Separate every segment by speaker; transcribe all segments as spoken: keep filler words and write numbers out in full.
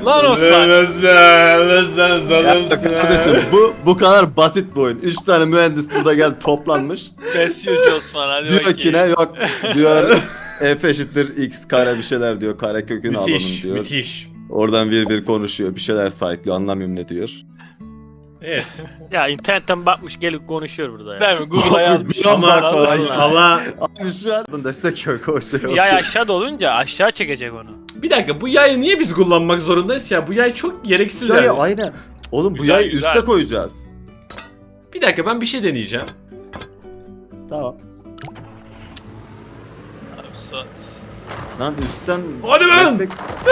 Speaker 1: Lan Osman.
Speaker 2: Sen zalımsın.
Speaker 3: Kardeşim bu bu kadar basit bir oyun. Üç tane mühendis burada geldi toplanmış.
Speaker 1: Besliyorcu Osman hadi
Speaker 3: Diyor
Speaker 1: bakayım.
Speaker 3: ki ne yok diyor f eşittir x kare bir şeyler diyor. Kare kökünü alalım
Speaker 2: Müthiş,
Speaker 3: diyor.
Speaker 2: müthiş.
Speaker 3: Oradan bir bir konuşuyor. Bir şeyler sayıklıyor. Anlamıyorum ne diyor.
Speaker 2: Evet.
Speaker 4: Ya internetten bakmış gelip konuşuyor burada ya.
Speaker 1: Değil mi? Google'a yazmış.
Speaker 3: Bir an bak
Speaker 1: Allah
Speaker 3: falan.
Speaker 1: Allah.
Speaker 2: Ama
Speaker 3: Abi şu an destek yok o şey.
Speaker 4: Yay aşağıda olunca aşağı çekecek onu.
Speaker 2: bir dakika, bu yayı niye biz kullanmak zorundayız ya? Bu yay çok gereksiz
Speaker 3: Ya,
Speaker 2: yani.
Speaker 3: ya aynen. Oğlum bu
Speaker 4: Güzel,
Speaker 3: yayı
Speaker 4: güzel.
Speaker 3: üste koyacağız.
Speaker 2: Bir dakika, ben bir şey deneyeceğim.
Speaker 3: Tamam.
Speaker 1: Abi Suat.
Speaker 3: Lan üstten
Speaker 2: Hadi lan!
Speaker 3: destek.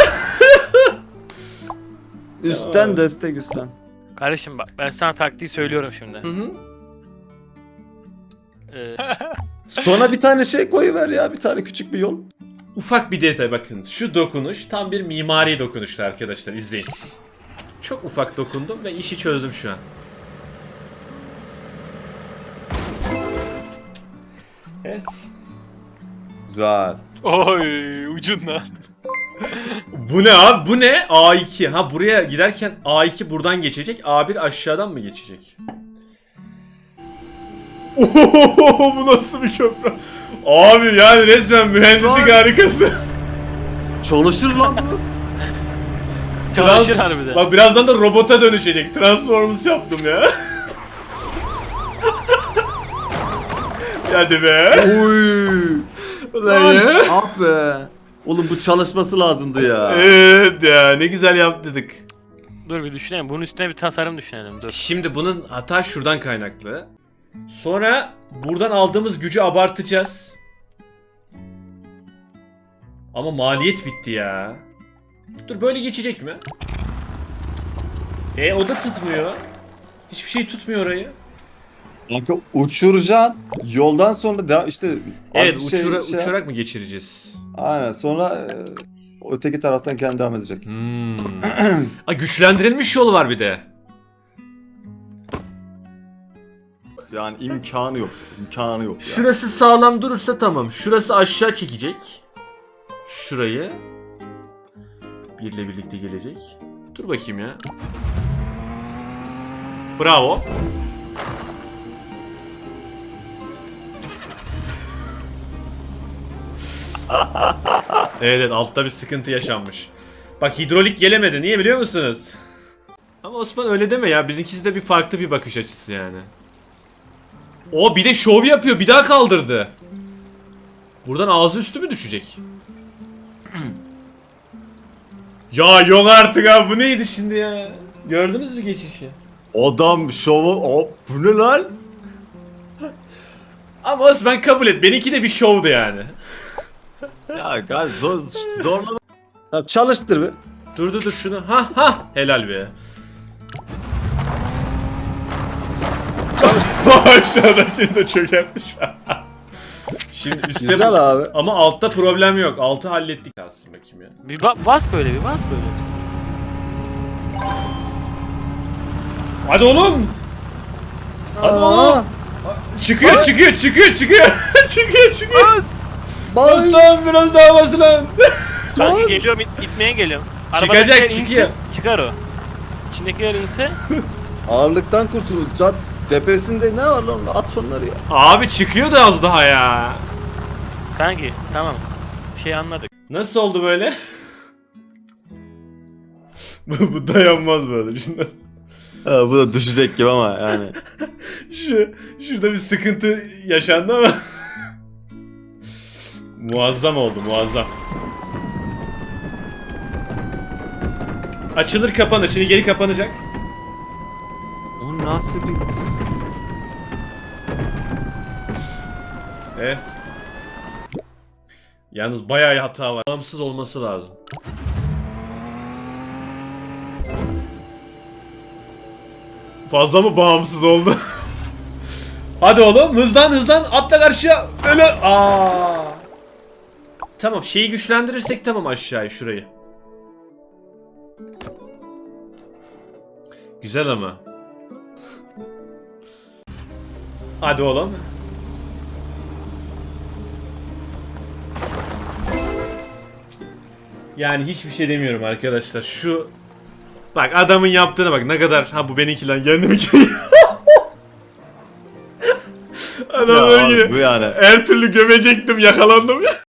Speaker 3: Üstten destek üstten.
Speaker 4: Kardeşim bak ben sana taktiği söylüyorum şimdi.
Speaker 2: Hı hı.
Speaker 4: Ee,
Speaker 3: Sonra bir tane şey koyuver ya. Bir tane küçük bir yol.
Speaker 2: Ufak bir detay bakın. Şu dokunuş tam bir mimari dokunuştu arkadaşlar, izleyin. Çok ufak dokundum ve işi çözdüm şu an. Evet.
Speaker 3: Güzel.
Speaker 1: Oy ucundan.
Speaker 2: Bu ne abi? Bu ne? A iki. Ha, buraya giderken A iki buradan geçecek. A bir aşağıdan mı geçecek? Ohohoho, bu nasıl bir köprü? Abi yani resmen mühendislik harikası.
Speaker 3: Çalışır lan bu.
Speaker 4: Çalışır
Speaker 2: Trans-
Speaker 4: harbiden.
Speaker 2: Bak birazdan da robota dönüşecek. Transformers yaptım ya. Hadi be.
Speaker 3: Oy.
Speaker 2: Ulan ya.
Speaker 3: Ah be. Oğlum bu çalışması lazımdı ya.
Speaker 2: Evet ya, ne güzel yaptık.
Speaker 4: Dur bir düşünelim. Bunun üstüne bir tasarım düşünelim. Dur.
Speaker 2: Şimdi bunun hata şuradan kaynaklı. Sonra buradan aldığımız gücü abartacağız. Ama maliyet bitti ya. Dur, böyle geçecek mi? E o da tutmuyor. Hiçbir şey tutmuyor orayı.
Speaker 3: Kanka uçuracaksın. Yoldan sonra da işte az
Speaker 2: Evet,
Speaker 3: bir şey-
Speaker 2: uçura-
Speaker 3: şey-
Speaker 2: uçarak mı geçireceğiz?
Speaker 3: Aynen sonra e, öteki taraftan kendi devam edecek.
Speaker 2: Hmm. Aa, güçlendirilmiş yol var bir de.
Speaker 3: Yani imkanı yok. İmkanı yok ya.
Speaker 2: Şurası sağlam durursa tamam. Şurası aşağı çekecek. Şurayı. Birle birlikte gelecek. Dur bakayım ya. Bravo. Evet, evet, altta bir sıkıntı yaşanmış. Bak, hidrolik gelemedi. Niye biliyor musunuz? Ama Osman öyle deme ya. Bizimkisi de bir farklı bir bakış açısı yani. O bir de şov yapıyor. Bir daha kaldırdı. Buradan ağzı üstü mü düşecek? Ya yok artık abi. Bu neydi şimdi ya? Gördünüz mü geçişi?
Speaker 3: Adam şovu hop bu ne lan?
Speaker 2: Ama Osman kabul et. Benimki de bir şovdu yani.
Speaker 3: Ya gel zor zorlama. Tamam, çalıştır bir.
Speaker 2: Dur dur dur şunu. Ha ha. Helal be. Aşağıdaki de çökertti şu an. Şimdi üstte...
Speaker 3: Güzel abi.
Speaker 2: Ama altta problem yok. Altı hallettik aslında, bakayım ya.
Speaker 4: Bir ba- bas böyle bir bas böyle.
Speaker 2: Hadi oğlum. Hadi oğlum. Çıkıyor çıkıyor çıkıyor çıkıyor. çıkıyor çıkıyor. Bas lan, biraz daha bas lan.
Speaker 4: Sanki geliyorum it- itmeye geliyorum.
Speaker 2: Çıkacak,
Speaker 4: Arabadakiler insin,
Speaker 2: çıkıyor.
Speaker 4: Çıkar o. İçindekiler inse.
Speaker 3: Ağırlıktan kurtul. Cad tepesinde ne var lan? At onları ya.
Speaker 2: Abi çıkıyor da az daha ya.
Speaker 4: Kanki tamam. Bir şey anladık.
Speaker 2: Nasıl oldu böyle? bu, bu dayanmaz böyle. Şundan.
Speaker 3: Ha, bu da düşecek gibi ama yani.
Speaker 2: Şu, şurada bir sıkıntı yaşandı ama. Muazzam oldu, muazzam. Açılır kapanır. Şimdi geri kapanacak.
Speaker 3: O nasıl bir...
Speaker 2: Evet. Yalnız bayağı hata var. Bağımsız olması lazım. Fazla mı bağımsız oldu? Hadi oğlum, hızlan hızlan, atla karşıya. Öyle. Aa. Tamam, şeyi güçlendirirsek tamam, aşağıya şurayı. Güzel ama. Hadi oğlum. Yani hiçbir şey demiyorum arkadaşlar. Şu Bak adamın yaptığına bak ne kadar. Ha bu benimki lan kendimi Adam
Speaker 3: Ya
Speaker 2: böyle
Speaker 3: abi,
Speaker 2: yine
Speaker 3: bu yani.
Speaker 2: her türlü gömecektim yakalandım ya.